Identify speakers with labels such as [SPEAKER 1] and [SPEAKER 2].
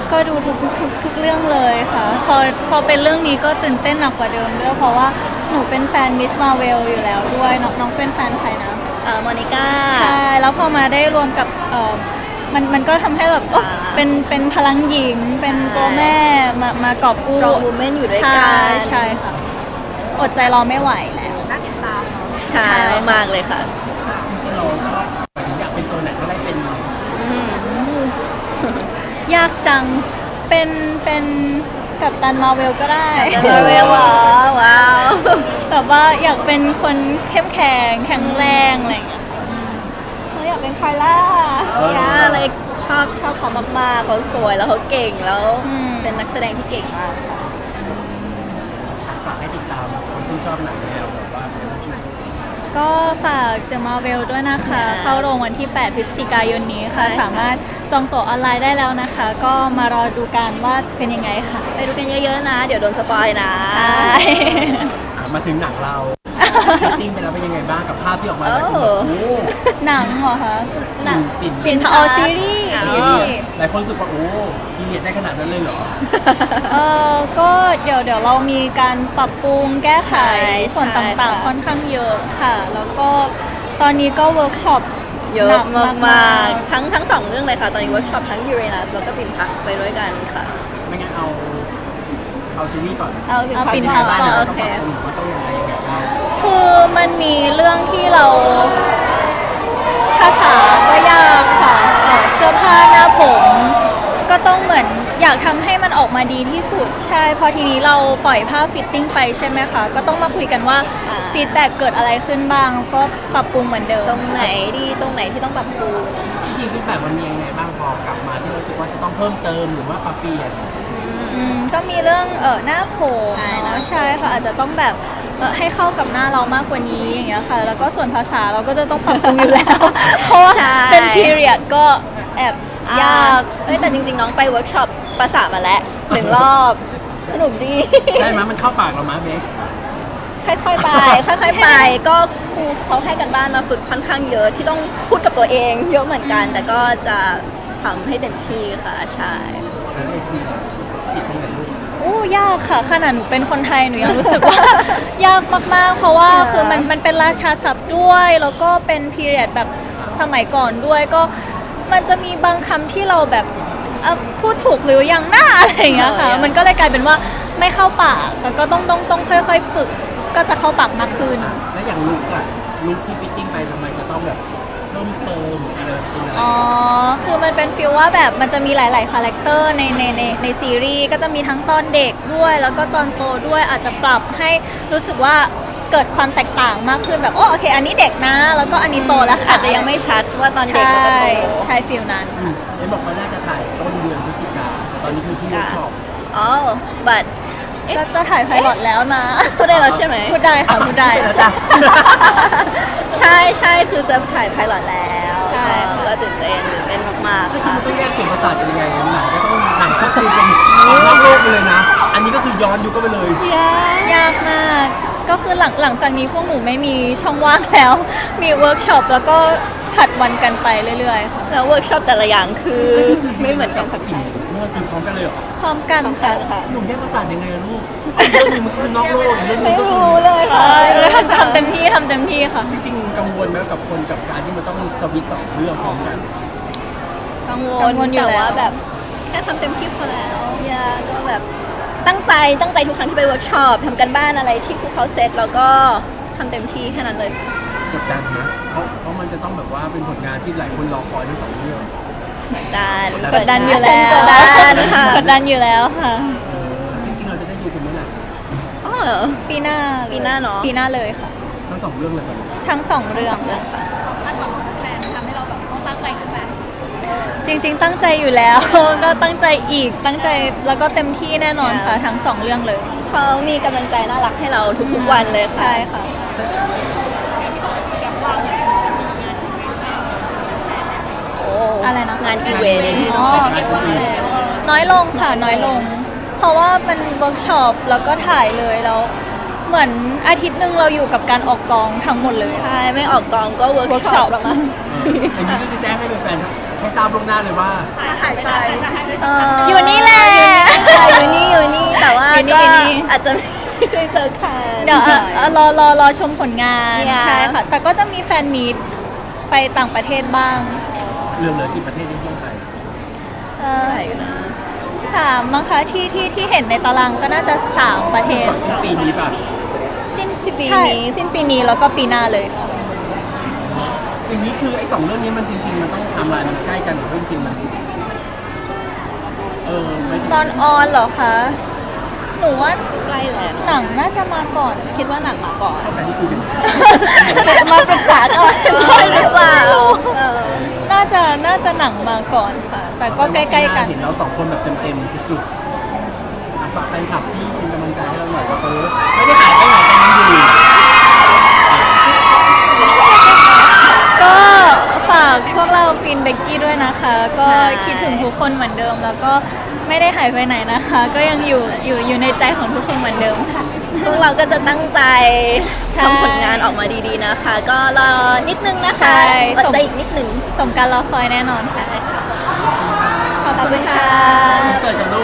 [SPEAKER 1] ก็ดูทุกเรื่องเลยค่ะพอเป็นเรื่องนี้ก็ตื่นเต้นหนักกว่าเดิมด้วยเพราะว่าหนูเป็นแฟนมิสมาเวลอยู่แล้วด้วยน้องเป็นแฟนใครนะ
[SPEAKER 2] โมนิก้า
[SPEAKER 1] ใช่แล้วพอมาได้รวมกับมันก็ทำให้แบบเป็นพลังหญิงเป็นตัวแม่มากอบกู้
[SPEAKER 2] Strong Woman อยู่ด้วยกัน
[SPEAKER 1] ใช่ค่ะอดใจรอไม่ไหวแล้ว
[SPEAKER 3] น่าติดตามเนาะ
[SPEAKER 2] ใช่มากเลยค่ะ
[SPEAKER 4] จริงๆเราชอบอยากเป็นตัวไหนก็ได้เป็น
[SPEAKER 1] ยากจังเป็นกัปตันมาเวลก็ได้
[SPEAKER 2] มาเวลว้าว
[SPEAKER 1] แบบว่าอยากเป็นคนเข้มแข็งแข็งแรงอะไรอย่างเงี้ย
[SPEAKER 2] เขาอยากเป็นคาร่าอะไรชอบเขามากๆเขาสวยแล้วเขาเก่งแล้วเป็นนักแสดงที่เก่งมากค่ะ
[SPEAKER 4] ฝากให้ติดตามคนที่ชอบหนังแนวแบบว่า
[SPEAKER 1] ก็ฝากเจมาเวลด้วยนะคะ เข้าโรงวันที่ 8 พฤศจิกายนนี้ค่ะ สามารถจองตั๋วออนไลน์ได้แล้วนะคะ ก็มารอดูกันว่าจะเป็นยังไงค่ะ
[SPEAKER 2] ไปดูกันเยอะๆนะ เดี๋ยวโดนสปอยนะ
[SPEAKER 1] ใช่
[SPEAKER 4] มาถึงหนังเราติ้งไปแล้วเป็นยังไงบ้างกับภาพที่ออกมาหลายคนแบบโอ้
[SPEAKER 1] หนังเหรอคะ
[SPEAKER 2] หนัง
[SPEAKER 1] ปิ่นซีรีส์
[SPEAKER 4] หลายคนรู้สึกว่าโอ้พีเรียดได้ขนาดนั้นเลยเหรอ
[SPEAKER 1] ก็เดี๋ยวเรามีการปรับปรุงแก้ไขส่วนต่างๆค่อนข้างเยอะค่ะ แล้วก็ตอนนี้ก็เวิร์กช็อป
[SPEAKER 2] เยอะมากๆทั้งสองเรื่องเลยค่ะ ตอนนี้เวิร์กช็อปทั้งยูเรนัสแล้วก็ปิ่นพักไปด้วยกันค่ะ
[SPEAKER 4] ไม่งั้นเอาซีรีส์ก่อน
[SPEAKER 2] เอาปิ่นพักก่อนโอเค
[SPEAKER 4] ว่าต้องยังไงบ้าง
[SPEAKER 1] คือมันมีเรื่องที่เราภาษาก็ยากค่ะเสื้อผ้าหน้าผมก็ต้องเหมือนอยากทำให้มันออกมาดีที่สุดใช่พอทีนี้เราปล่อยภาพฟิตติ้งไปใช่ไหมคะก็ต้องมาคุยกันว่าฟีดแบ็กเกิดอะไรขึ้นบ้างก็ปรับปรุงเหมือนเดิม
[SPEAKER 2] ตรงไหนดีตรงไหนที่ต้องปรับปรุง
[SPEAKER 4] จริงๆฟีดแบ็กมันมียังไงบ้างพอกลับมาที่รู้สึกว่าจะต้องเพิ่มเติมหรือว่าปรับเปลี่ยน
[SPEAKER 1] ก็มีเรื่องหน้าผมใช่ค่ะอาจจะต้องแบบให้เข้ากับหน้าเรามากกว่านี้อย่างเงี้ยค่ะแล้วก็ส่วนภาษาเราก็จะต้องปรับปรุงอยู่แล้วเพราะว่าเป็น period ก็แอบยาก
[SPEAKER 2] แต่จริงๆน้องไปเวิร์กช็อปภาษามาแล้ว1 รอบสนุกดี
[SPEAKER 4] ได้ไหมมันเข้าปากเราไหมเบค
[SPEAKER 2] ค่อยๆไปก็ครูเขาให้กันบ้านมาฝึกค่อนข้างเยอะที่ต้องพูดกับตัวเองเยอะเหมือนกันแต่ก็จะทำให้เต็มที่ค่ะใช่
[SPEAKER 1] ยากค่ะขนาดหนูเป็นคนไทยหนูยังรู้สึกว่า ยากมากๆเพราะว่าคือมันเป็นราชาศัพท์ด้วยแล้วก็เป็นพีเรียดแบบสมัยก่อนด้วยก็มันจะมีบางคำที่เราแบบพูดถูกหรือยังหน้าอะไรอย่างเงี้ยค่ะมันก็เลยกลายเป็นว่าไม่เข้าปากก็ต้องค่อยๆฝึกก็จะเข้าปากมากขึ้น
[SPEAKER 4] แล้วอย่างลุคที่ฟิตติ้งไปทำไมจะต้องแบบเพิ่มเติมอะไร
[SPEAKER 1] คือมันเป็นฟีลว่าแบบมันจะมีหลายๆคาแรคเตอร์ในซีรีส์ก็จะมีทั้งตอนเด็กด้วยแล้วก็ตอนโตด้วยอาจจะปรับให้รู้สึกว่าเกิดความแตกต่างมากขึ้นแบบโอเคอันนี้เด็กนะแล้วก็อันนี้โตแล้วค่ะ
[SPEAKER 2] อาจจะยังไม่ชัดว่าตอนเด็กกับตอนโต
[SPEAKER 1] ใช่ฟีลนั้นค่ะ
[SPEAKER 4] เห็นบอกว่าน่าจะถ่ายต้นเดือนพฤศจิกาตอนนี้คือพี่เวิร์กช็อป
[SPEAKER 2] บัด
[SPEAKER 1] จะถ่ายไพลอตแล้วนะ
[SPEAKER 2] พูดได้แล้วใช่ไหม
[SPEAKER 1] พูดได้ค่ะพูดได้
[SPEAKER 2] ใช่คือจะถ่ายไพลอตแล้วใช่ก็ตื่นเต้นมาก
[SPEAKER 4] ๆค่ะต้องแยกเสียงประสาทกันยังไงหนังก็คือเป็นนอกโลกไปเลยนะอันนี้ก็คือย้อนยุคก็ไปเลย
[SPEAKER 1] ยากมากก็คือหลังจากนี้พวกหนูไม่มีช่องว่างแล้วมีเวิร์กช็อปแล้วก็ผัดวันกันไปเรื่อยๆค่ะ
[SPEAKER 2] แล้วเวิร์กช็อปแต่ละอย่างคือไม่เหมือนกันสักที
[SPEAKER 4] เมื่อคือพร้อมกันเลยเหรอ
[SPEAKER 1] พร้อมกันค่ะ
[SPEAKER 4] หนุ่มแยกประสาทยังไงลูกเรื่องนึงมันคือนอกโลกเรื่องนึงก็คือ
[SPEAKER 1] เลยค่ะทำเต็มที่ค่ะ
[SPEAKER 4] จริงๆกังวลไหมกับการที่มันต้องสวิตช์2 เรื่องพร้อมกัน
[SPEAKER 2] กังวลแต่ว่าแบบแค่ทำเต็มที่พอแล้วก็แบบตั้งใจทุกครั้งที่ไปเวิร์กช็อปทำกันบ้านอะไรที่ครูเขาเซตแล้วก็ทำเต็มที่แค่นั้นเลย
[SPEAKER 4] กดดันนะเพราะมันจะต้องแบบว่าเป็นผลงานที่หลายคนรอคอยทั้ง2 เรื่อง
[SPEAKER 1] กดดันอยู่แล้วกดดันอยู่แล้วค่ะ
[SPEAKER 4] จริงๆเราจะได้ดูกันเมื่อไหร่
[SPEAKER 1] ปีหน้า
[SPEAKER 2] เนาะ
[SPEAKER 1] ปีหน้าเลยค่ะ
[SPEAKER 4] ทั้ง2 เรื่องเลย
[SPEAKER 1] ทั้ง2 เรื่อง
[SPEAKER 3] ค่ะคาดหวังแฟนทำให้เราแบบต้องตั้งใจขึ้นไหม
[SPEAKER 1] จริงๆตั้งใจอยู่แล้วก็ตั้งใจอีกตั้งใจแล้วก็เต็มที่แน่นอนค่ะทั้ง2 เรื่องเลย
[SPEAKER 2] เขามีกำลังใจน่ารักให้เราทุกๆวันเลย
[SPEAKER 1] ใช่ค่ะอะไรนะ
[SPEAKER 2] งานอีเวนต์
[SPEAKER 1] น้อยลงค่ะน้อยลงเพราะว่ามันเวิร์กช็อปแล้วก็ถ่ายเลยแล้วเหมือนอาทิตย์นึงเราอยู่กับการออกกองทั้งหมดเลย
[SPEAKER 2] ใช่ไม่ออกกองก็เวิร์กช็อป
[SPEAKER 4] อันนี้ก็คือแจ้งให้แฟนทให้ทราบล่วงหน้าเลยว่า
[SPEAKER 3] หายไป
[SPEAKER 1] อยู่นี่แหละ
[SPEAKER 2] อยู่นี่แต่ว่า
[SPEAKER 1] อยู่นี่
[SPEAKER 2] ก็
[SPEAKER 1] อยู่นี่
[SPEAKER 2] อาจจะไม่ได้เจอกัน
[SPEAKER 1] เดี๋ยวรอชมผลงาน
[SPEAKER 2] เนี่ย
[SPEAKER 1] ใช่ค่ะ แต่ก็จะมีแฟนมีตไปต่างประเทศบ้าง
[SPEAKER 4] เหลือกี่ประเทศที่เที่ยวไทย
[SPEAKER 2] ใช่อยู่นะ
[SPEAKER 1] 3มั้งคะที่เห็นในตารางก็น่าจะ 3 ประเทศ
[SPEAKER 4] ก่อนสิ้นปีนี้ป่ะ
[SPEAKER 1] สิ้น
[SPEAKER 2] ปี
[SPEAKER 1] ใช่
[SPEAKER 2] นี้
[SPEAKER 1] สิ้นปีนี้แล้วก็ปีหน้าเลยค่ะ
[SPEAKER 4] อย่างนี้คือไอ้2 เรื่องนี้มันจริงๆมันต้องไทำลายมันใกล้กันหรือว่าจริงๆมันไม่ถึง
[SPEAKER 1] ตอนออนเหรอคะ หนูว่า
[SPEAKER 2] ใกล้แล้ว
[SPEAKER 1] หนังน่าจะมาก่อน
[SPEAKER 2] คิดว่าหนังมาก่อน
[SPEAKER 4] แต่นี่คุยกัน
[SPEAKER 2] มาปรึกษาก่อนได้หรือเปล่า
[SPEAKER 1] น่าจะหนังมาก่อนค่ะ แต่ก็ใกล้ๆกัน
[SPEAKER 4] เห็นเรา2 คนแบบเต็มๆทุกจุดอ่ะฝากแฟนคลับที่เป็นกำลังใจให้เราหน่อยว่าไม่ได้หายไปไหนกันยังอยู่
[SPEAKER 1] ก็ฝากพวกเราฟินเบกกี้ด้วยนะคะ ก็คิดถึงทุกคนเหมือนเดิม แล้วก็ไม่ได้หายไปไหนนะคะ ก็ยังอยู่ในใจของทุกคนเหมือนเดิมค่ะ
[SPEAKER 2] พวกเราก็จะตั้งใจ
[SPEAKER 1] ใช่
[SPEAKER 2] ทำผลงานออกมาดีๆนะคะ ก็รอนิดนึงนะคะ
[SPEAKER 1] ใช่
[SPEAKER 2] อดใจอีกนิดนึง
[SPEAKER 1] สมการรอคอยแน่นอนค่ะ
[SPEAKER 2] ใช่ค่ะ
[SPEAKER 1] ขอบคุณค่ะ
[SPEAKER 4] เจอกัน